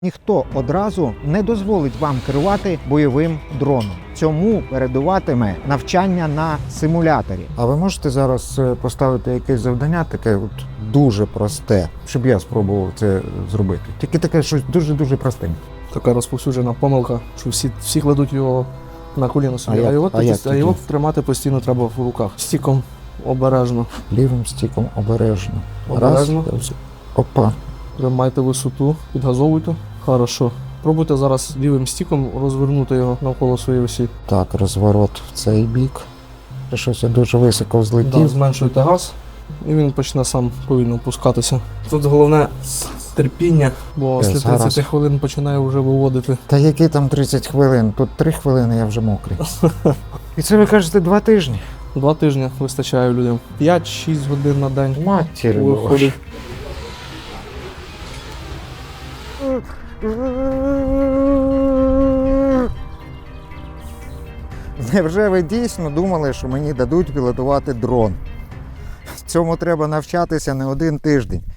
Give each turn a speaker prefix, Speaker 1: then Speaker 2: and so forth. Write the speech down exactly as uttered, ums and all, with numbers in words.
Speaker 1: Ніхто одразу не дозволить вам керувати бойовим дроном. Цьому передуватиме навчання на симуляторі. А ви можете зараз поставити якесь завдання, таке от дуже просте, щоб я спробував це зробити? Тільки таке щось дуже-дуже простеньке.
Speaker 2: Така розповсюджена помилка, що всі, всі кладуть його на коліно собі,
Speaker 1: А
Speaker 2: а,
Speaker 1: як-
Speaker 2: його,
Speaker 1: а
Speaker 2: тоді-
Speaker 1: як
Speaker 2: а
Speaker 1: тоді?
Speaker 2: його тримати постійно треба в руках. Стіком обережно.
Speaker 1: Лівим стіком обережно.
Speaker 2: Обережно.
Speaker 1: Раз. Опа.
Speaker 2: Тримайте висоту, підгазовуйте. Хорошо. Пробуйте зараз лівим стіком розвернути його навколо своєї осі.
Speaker 1: Так, розворот в цей бік. Щось я дуже високо
Speaker 2: Да,
Speaker 1: взлетів.
Speaker 2: зменшуйте газ, і він почне сам повільно опускатися. Тут головне терпіння, бо
Speaker 1: Е,
Speaker 2: після
Speaker 1: зараз.
Speaker 2: тридцяти хвилин починає вже виводити.
Speaker 1: Та які там тридцять хвилин? Тут три хвилини, я вже мокрий. І це ви кажете два тижні?
Speaker 2: Два тижні вистачає людям. п'ять-шість годин на день
Speaker 1: Матір
Speaker 2: виходить.
Speaker 1: Невже ви дійсно думали, що мені дадуть пілотувати дрон? Цьому треба навчатися не один тиждень.